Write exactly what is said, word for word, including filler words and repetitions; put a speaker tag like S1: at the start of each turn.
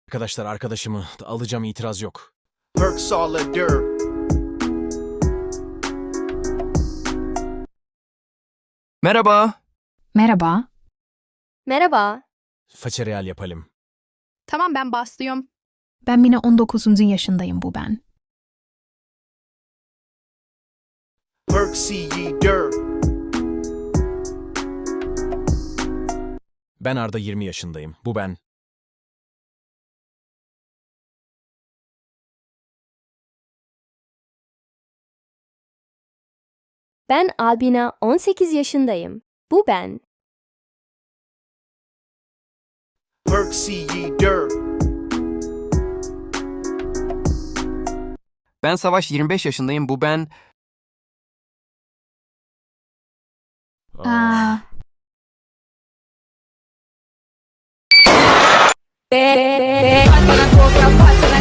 S1: Arkadaşlar arkadaşımı alacağım, itiraz yok.
S2: Perk Solider.
S3: Merhaba.
S4: Merhaba.
S5: Merhaba.
S1: Façereal yapalım.
S6: Tamam ben başlıyorum.
S4: Ben Mina on dokuzuncu yaşındayım bu ben.
S2: Perk Ceder.
S1: Ben Arda, yirmi yaşındayım. Bu ben.
S5: Ben Albina, on sekiz yaşındayım. Bu ben.
S2: Perk Ceder.
S3: Ben Savaş, yirmi beş yaşındayım. Bu ben.
S4: Aa,
S7: Bana